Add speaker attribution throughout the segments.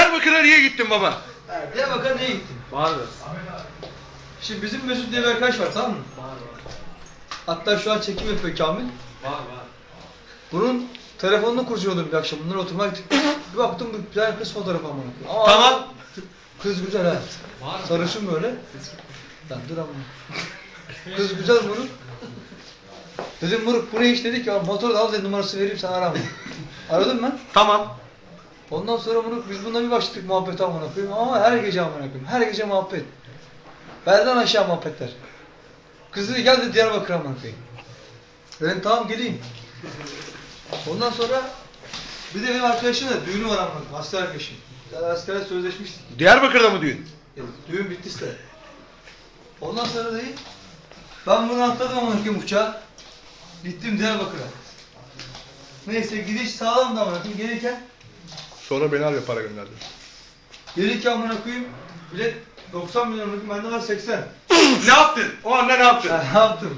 Speaker 1: Diyarbakır'a niye gittin baba?
Speaker 2: Diyarbakır'a niye gittin?
Speaker 3: Vardı.
Speaker 2: Şimdi bizim Mesut diye bir arkadaş var, tamam mı?
Speaker 3: Var.
Speaker 2: Hatta şu an çekim yapıyor Kamil.
Speaker 3: Var.
Speaker 2: Bunun telefonunu kurcalıyordum bir akşam. Bunlar oturmaya gittik. Bir baktım bir tane kız fotoğrafı ama.
Speaker 1: Tamam.
Speaker 2: Kız güzel ha. Sarışın böyle. Lan dur ama. Kız güzel Muruk. Dedim Muruk bu ne iş, dedi ki motoru da al dedi, numarası vereyim sana arama. Aradım ben.
Speaker 1: Tamam.
Speaker 2: Ondan sonra Muruk biz bununla bir başladık muhabbete amına koyayım ama her gece amına koyayım. Her gece muhabbet. Belden aşağı muhabbetler. Kız dedi gel dedi Diyarbakır'a amına koyayım. Dedim tamam geleyim. Ondan sonra bir de benim arkadaşım da düğünü var amına koyayım. Asker arkadaşım. Askere sözleşmiştik.
Speaker 1: Diyarbakır'da mı düğün?
Speaker 2: Düğün bitti işte. Ondan sonra değil. Ben bunu atladım amına koyayım uçağa. Gittim Diyarbakır'a. Neyse gidiş sağlam da amına koyayım. Gelirken
Speaker 1: Sonra beni arıyor, para gönderdi.
Speaker 2: amına koyayım. Bilet 90 milyon amına koyayım. Bende var 80.
Speaker 1: Ne yaptın? O anda ne yaptın?
Speaker 2: Ne yaptım?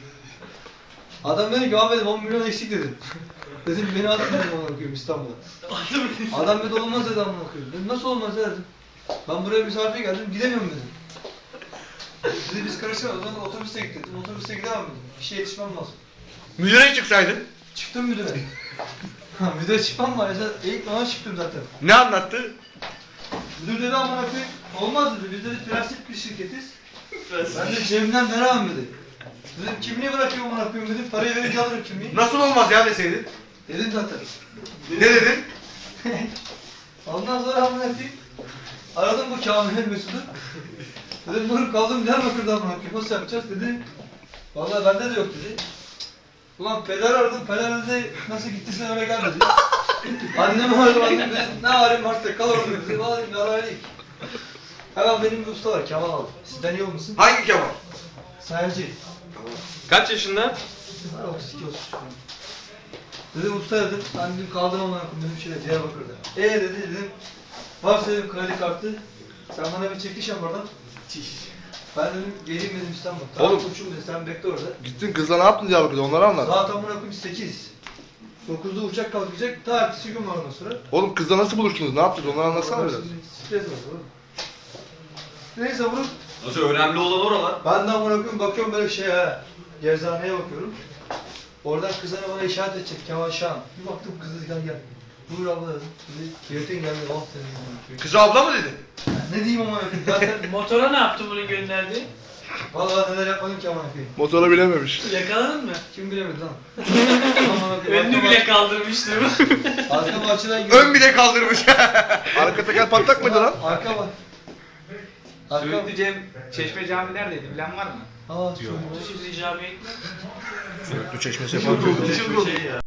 Speaker 2: Adam dedi ki abi dedim 10 milyon eksik dedim. Dedim beni alın dedim amına koyayım İstanbul'a. Adam dedi olmaz dedi amına koyayım. Dedim nasıl olmaz dedim. Ben buraya misafir geldim gidemiyorum dedim. Dedi biz karışamayız, o zaman otobüse git dedim. Otobüse gidemem dedim. İşe yetişmem lazım.
Speaker 1: Müdüre çıksaydın.
Speaker 2: Çıktım müdüre. Müdüre çıkmam var ya, ilk ona çıktım zaten.
Speaker 1: Ne anlattı?
Speaker 2: Müdür dedi amına koyayım, olmaz dedi, biz dedi prensip bir şirketiz. Ben de cebimden veremem dedi. Dedim kimliği bırakıyorum amına koyayım dedim, parayı verince alırım kimliği.
Speaker 1: Nasıl olmaz ya deseydin?
Speaker 2: Dedim zaten.
Speaker 1: Ne dedin?
Speaker 2: Ondan sonra amına koyayım, aradım bu Kamil'in Mesut'u. Dedim Nur'um kaldım Diyarbakır'da amına koyayım, nasıl yapacağız dedi. Vallahi bende de yok dedi. Ulan peder aradım, peder dedi nasıl gittiysen öyle gel dedi. Annemi aradım, annem dedi ne halim varsa kal orada dedi. Vallahi dedim yaraylık. Hemen benim bir usta var, Kemal abi. Sizden iyi olmasın?
Speaker 1: Hangi Kemal?
Speaker 2: Sayarcı.
Speaker 3: Kaç yaşında?
Speaker 2: Var 32 33 falan. Dedim usta dedim, ben dedim kaldım amına koyayım dedim şöyle Diyarbakır'da. Dedi dedim, varsa dedim kredi kartı, sen bana bir çekiş yap oradan. Ben dedim geleyim dedim İstanbul'a. Tamam
Speaker 1: Oğlum.
Speaker 2: koçum dedi, sen bekle orada.
Speaker 1: Gittin kızla ne yaptın Diyarbakır'da, onları anlat.
Speaker 2: Saat amına koyayım 8. 9'da uçak kalkacak, ta ertesi gün var ondan sonra.
Speaker 1: Oğlum kızla nasıl buluştunuz, ne yaptınız, onları anlatsana biraz.
Speaker 2: Stres var oğlum. Neyse bunu,
Speaker 3: Nasıl önemli olan oralar?
Speaker 2: ben de amına koyayım bakıyorum böyle şey ha. Gerzaneye bakıyorum. Oradan kızına bana işaret edecek Kemal Şahan. Bir baktım kız dedi gel. Buyur abla dedim. Dedi Kiretin geldi, oh dedim amına koyayım.
Speaker 1: Kızı abla mı dedi?
Speaker 2: Ne diyeyim amına koyayım zaten.
Speaker 4: Motora ne yaptın bunu gönderdi?
Speaker 2: Vallahi neler yapmadım ki amına koyayım.
Speaker 1: Motora bilememiş.
Speaker 4: Yakaladın mı?
Speaker 2: Kim bilemedi lan. Amına koyayım,
Speaker 4: Önünü bile kaldırmıştım.
Speaker 2: Arka bahçeden
Speaker 1: Ön bile kaldırmış. Arka teker patlak mıydı lan?
Speaker 2: Arka bak. Arka bak.
Speaker 5: Söğütlü Çeşme Camii neredeydi bilen var mı?
Speaker 2: Aa,
Speaker 4: Şimdi camiye gitme.
Speaker 1: Söğütlü Çeşmesi yapar.
Speaker 4: Çok şey ya.